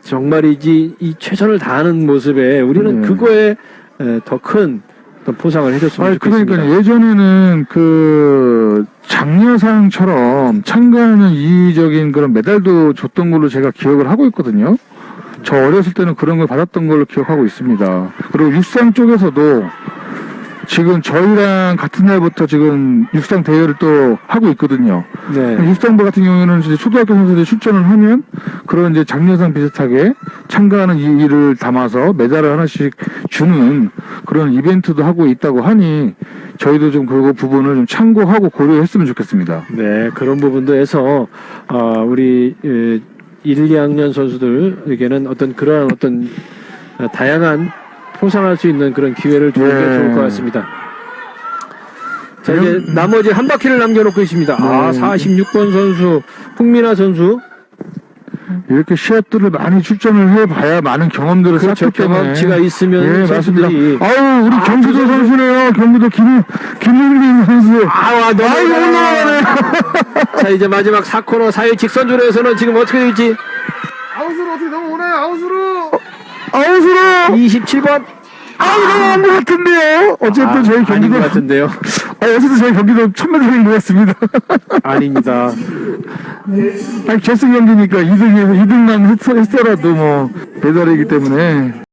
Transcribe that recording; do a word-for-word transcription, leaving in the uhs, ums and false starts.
정말이지 이 최선을 다하는 모습에 우리는 네. 그거에 더 큰 포상을 해줬으면 아니, 좋겠습니다. 그러니까 예전에는 그 장려상처럼 참가하는 이의적인 그런 메달도 줬던 걸로 제가 기억을 하고 있거든요. 저 어렸을 때는 그런 걸 받았던 걸로 기억하고 있습니다. 그리고 육상 쪽에서도 지금 저희랑 같은 날부터 지금 육상 대회를 또 하고 있거든요. 네. 육상부 같은 경우에는 이제 초등학교 선수들이 출전을 하면 그런 이제 장려상 비슷하게 참가하는 이의를 담아서 메달을 하나씩 주는 그런 이벤트도 하고 있다고 하니 저희도 좀 그 부분을 좀 참고하고 고려했으면 좋겠습니다. 네, 그런 부분도 해서 어, 우리 에, 일, 이 학년 선수들에게는 어떤 그러한 어떤 어, 다양한 포상할 수 있는 그런 기회를 주는 게 네. 좋을 것 같습니다. 자, 이제 나머지 한 바퀴를 남겨놓고 있습니다. 아, 네. 사십육 번 선수, 홍민아 선수. 이렇게 시합들을 많이 출전을 해봐야 많은 경험들을 그렇죠. 쌓기 때문에 경험치가 있으면 예, 맞습니다. 선수들이. 아유, 우리 아, 경기도 그 선수- 선수네요. 경기도 김, 김윤빈 선수. 아, 너무 아이고, 올라가네. 자, 이제 마지막 사 코너 사회 직선주로에서는 지금 어떻게 될지. 아웃으로 어떻게 넘어오나요? 아웃으로. 아웃으로. 이십칠 번. 아우, 넘어간 것 같은데요. 어쨌든 아, 저희 아닌 경기도. 것 같은데요. 아, 어쨌든 저희 경기도 천매달인 것 같습니다. 아닙니다. 아니, 결승 경기니까 이 등에서 이 등만 했, 했더라도 뭐, 메달이기 때문에.